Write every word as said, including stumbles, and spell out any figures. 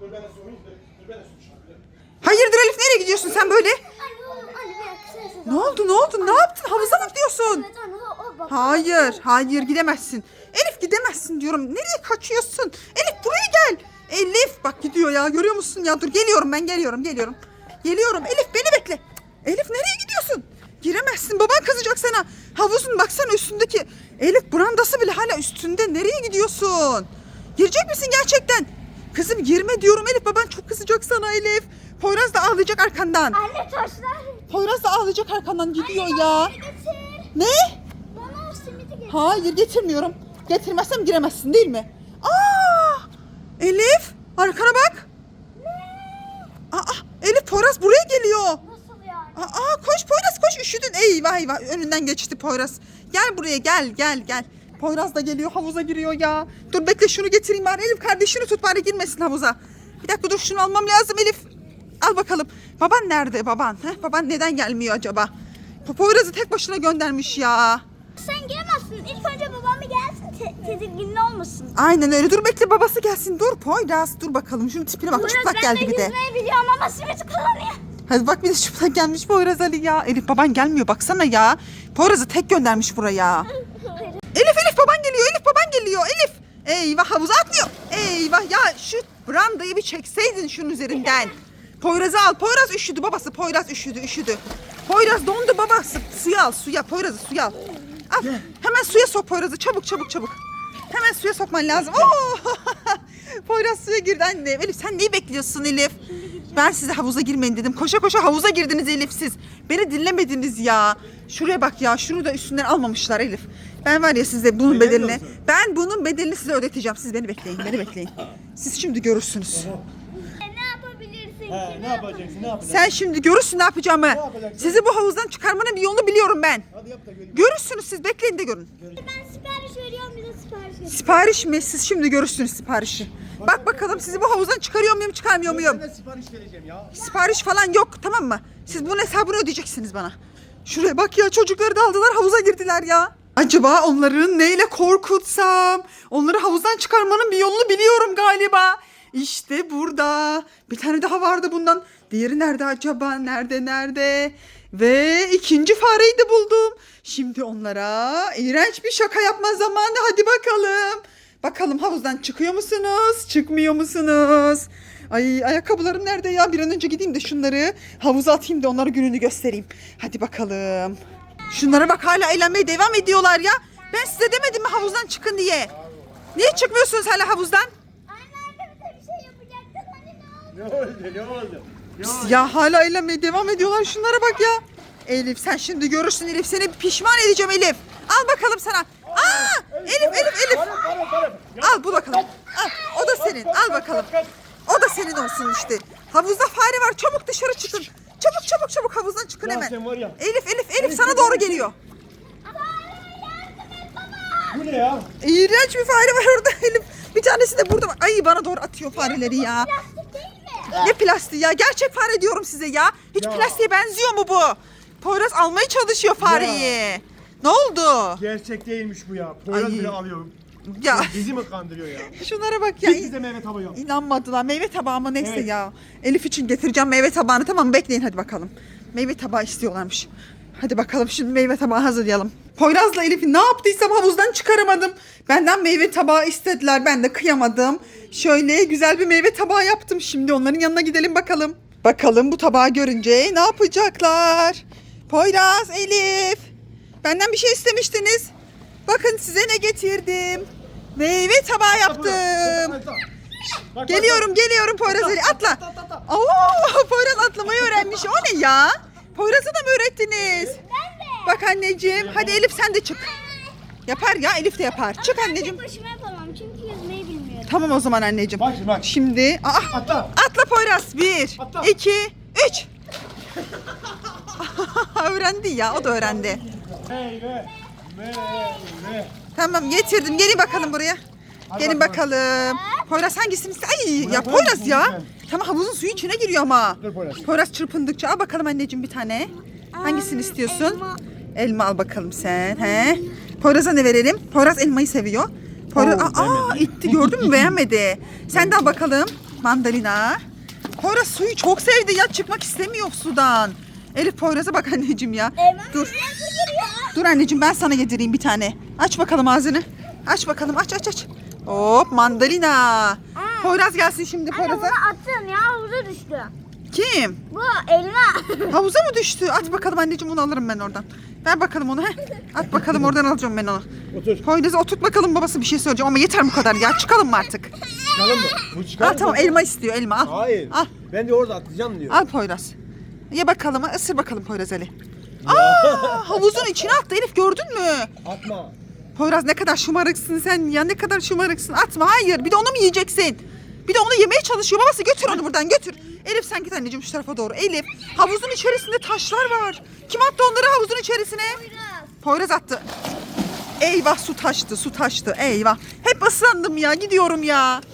Dur ben de sorayım. Dur ben de sorayım. Hayırdır Elif, nereye gidiyorsun sen böyle? Anne, anne bir dakika. Sen Ne oldu ne oldu ne yaptın? Havuza mı gidiyorsun? Evet anne o, o bak. Hayır hayır gidemezsin. Elif gidemezsin diyorum. Nereye kaçıyorsun? Elif buraya gel. Elif bak gidiyor ya, görüyor musun ya? Dur geliyorum, ben geliyorum geliyorum. Geliyorum Elif, beni bekle. Elif nereye gidiyorsun? Giremezsin, baban kızacak sana. Havuzun baksana üstündeki. Elif brandası bile hala üstünde. Nereye gidiyorsun? Girecek misin gerçekten? Kızım girme diyorum Elif, baban çok kızacak sana Elif. Poyraz da ağlayacak arkandan. Anne taşlar. Poyraz da ağlayacak arkandan gidiyor Anne, ya. bana getir. Ne? Bana o simidi getir. Hayır getirmiyorum. Getirmezsem giremezsin değil mi? Aa! Elif arkana bak. Aa, Elif Poyraz buraya geliyor. Nasıl yani? Aa, koş Poyraz koş, üşüdün. Eyvah eyvah, önünden geçti Poyraz. Gel buraya, gel gel gel. Poyraz da geliyor, havuza giriyor ya. Dur bekle, şunu getireyim bari. Elif kardeşini tut bari, girmesin havuza. Bir dakika dur, şunu almam lazım Elif. Al bakalım. Baban nerede baban? Heh, baban neden gelmiyor acaba? Poyraz'ı tek başına göndermiş ya. Sen giremezsin. İlk önce babam bir gelsin. Te tedirgin olmasın. Aynen öyle. Dur bekle, babası gelsin. Dur Poyraz, dur bakalım. Şunun tipine bak, Poyraz, çıplak ben geldi de bir de. yüzmeyi biliyorum ama simidi kullanıyor. Hadi bak, bir de çıplak gelmiş Poyraz Ali ya. Elif baban gelmiyor, baksana ya. Poyraz'ı tek göndermiş buraya. Elif Elif baban geliyor, Elif baban geliyor. Elif. Eyvah, havuza atlıyor. Eyvah ya, şu brandayı bir çekseydin şunun üzerinden. Poyraz'ı al. Poyraz üşüdü babası. Poyraz üşüdü üşüdü. Poyraz dondu babası. Suya al suya. Poyraz'ı suya al. Al. Hemen suya sok Poyraz'ı. Çabuk çabuk çabuk. Hemen suya sokman lazım. Oo! Poyraz suya girdi annem. Elif sen neyi bekliyorsun Elif? Ben size havuza girmeyin dedim. Koşa koşa havuza girdiniz Elif siz. Beni dinlemediniz ya. Şuraya bak ya. Şunu da üstünden almamışlar Elif. Ben var ya size bunun Neden bedelini. diyorsun? Ben bunun bedelini size ödeteceğim. Siz beni bekleyin. Beni bekleyin. Siz şimdi görürsünüz. Ne yapabilirsin He, ki? ne yapacaksın? Ne yapacaksın? Sen şimdi görürsün ne yapacağımı. yapacaksın? Sizi bu havuzdan çıkarmanın bir yolunu biliyorum ben. Hadi yap da göreyim. Görürsünüz siz. Bekleyin de görün. Ben sipariş veriyorum, bize sipariş ver. Sipariş mi? Siz şimdi görürsünüz siparişi. Bak bakalım sizi bu havuzdan çıkarıyor muyum, çıkarmıyor muyum? Ben de sipariş vereceğim ya. Sipariş falan yok, tamam mı? Siz bunun hesabını ödeyeceksiniz bana. Şuraya bak ya, çocukları da aldılar, havuza girdiler ya. Acaba onları neyle korkutsam? Onları havuzdan çıkarmanın bir yolunu biliyorum galiba. İşte burada. Bir tane daha vardı bundan. Diğeri nerede acaba? Nerede nerede? Ve ikinci fareyi de buldum. Şimdi onlara iğrenç bir şaka yapma zamanı. Hadi bakalım. Bakalım havuzdan çıkıyor musunuz? Çıkmıyor musunuz? Ay, ayakkabılarım nerede ya? Bir an önce gideyim de şunları havuza atayım da onlara gününü göstereyim. Hadi bakalım. Şunlara bak, hala eğlenmeye devam ediyorlar ya. Ben size demedim mi havuzdan çıkın diye? Niye çıkmıyorsunuz hala havuzdan? Anne anne bize bir şey yapacaktın. Hani ne oldu? Ne oldu? Ne oldu? Ne oldu? Ya hala eğlenmeye devam ediyorlar. Şunlara bak ya. Elif sen şimdi görürsün Elif. Seni pişman edeceğim Elif. Al bakalım sana. Aa! Elif Elif Elif. Varım, varım, varım. Ya, Al bu bakalım. Al. O da senin. Al bakalım. O da senin olsun işte. Havuzda fare var. Çabuk dışarı çıkın. Çabuk çabuk çabuk havuzdan çıkın Ya hemen. sen var ya. Elif Elif Elif sana doğru geliyor. Bu ne ya? İğrenç bir fare var orada Elif. Bir tanesi de burada var. Ay bana doğru atıyor fareleri ya. Plastik değil mi? Ne plastiği ya? Gerçek fare diyorum size ya. Hiç Ya. plastiğe benziyor mu bu? Poyraz almaya çalışıyor fareyi. Ne oldu? Gerçek değilmiş bu ya. Poyraz Ay. bile alıyor. Ya Bizi mi kandırıyor ya? şunlara bak ya. Hiç bize meyve tabağı yok. İnanmadılar. Meyve tabağı mı neyse Evet. ya. Elif için getireceğim meyve tabağını. Tamam mı? Bekleyin hadi bakalım. Meyve tabağı istiyorlarmış. Hadi bakalım şimdi meyve tabağı hazırlayalım. Poyraz'la Elif'i ne yaptıysam havuzdan çıkaramadım. Benden meyve tabağı istediler. Ben de kıyamadım. Şöyle güzel bir meyve tabağı yaptım. Şimdi onların yanına gidelim bakalım. Bakalım bu tabağı görünce ne yapacaklar? Poyraz, Elif. Benden bir şey istemiştiniz. Bakın size ne getirdim. Meyve tabağı yaptım. Bak, Geliyorum geliyorum Poyraz Ali, atla. Atla, atla, atla. Oo, Poyraz atlamayı öğrenmiş. O ne ya? Poyraz'a da mı öğrettiniz? Ben de. Bak anneciğim. Hadi Elif sen de çık. Yapar ya, Elif de yapar. Çık Ben anneciğim. tek başıma yapamam çünkü yüzmeyi bilmiyorum. Tamam o zaman anneciğim. Bak şimdi bak. Şimdi aa, Atla. atla Poyraz. Bir, Atla. iki, üç. Öğrendi ya, o da öğrendi. Meyve. Meyve. Tamam getirdim. Gelin bakalım buraya. Hadi Gelin bakalım. bakalım. Poyraz hangisini iste? Ay Buraya ya koyar Poyraz mısın ya. lütfen? Tamam havuzun suyu içine giriyor ama. Dur Poyraz. Poyraz çırpındıkça al bakalım anneciğim bir tane. Hangisini istiyorsun? elma. Elma al bakalım sen. He. Poyraz'a ne verelim? Poyraz elmayı seviyor. Poyraz Oo, aa, aa beğenmedi. itti, gördün mü, beğenmedi. Sen de al bakalım. mandalina. Poyraz suyu çok sevdi ya, çıkmak istemiyor sudan. Elif Poyraz'a bak anneciğim ya. Eyvah, Dur. nasıl giriyor? Dur anneciğim, ben sana yedireyim bir tane. Aç bakalım ağzını. Aç bakalım, aç aç aç. Hop, mandalina. Poyraz gelsin şimdi Anne bunu Poyraz'a. attın ya, havuza düştü. Kim? Bu elma. Havuza mı düştü? At bakalım anneciğim, onu alırım ben oradan. Ver bakalım onu. Heh. At bakalım, oradan alacağım ben onu. Otur. Poyraz'a oturt bakalım, babası bir şey söyleyeceğim ama yeter bu kadar ya. Çıkalım mı artık? Çıkalım mı? Bu çıkar Al mı? tamam, elma istiyor, elma al. Hayır. Al. Ben de orada atlayacağım diyor. Al Poyraz. Ye bakalım, ısır bakalım Poyraz Ali. Aa, havuzun içine attı Elif, gördün mü? Atma. Poyraz ne kadar şımarıksın sen ya, ne kadar şımarıksın. Atma, hayır, bir de onu mu yiyeceksin? Bir de onu yemeye çalışıyor babası, götür onu buradan götür. Elif sen git anneciğim şu tarafa doğru. Elif, havuzun içerisinde taşlar var. Kim attı onları havuzun içerisine? Poyraz attı. Eyvah, su taştı su taştı, eyvah. Hep ıslandım ya, gidiyorum ya.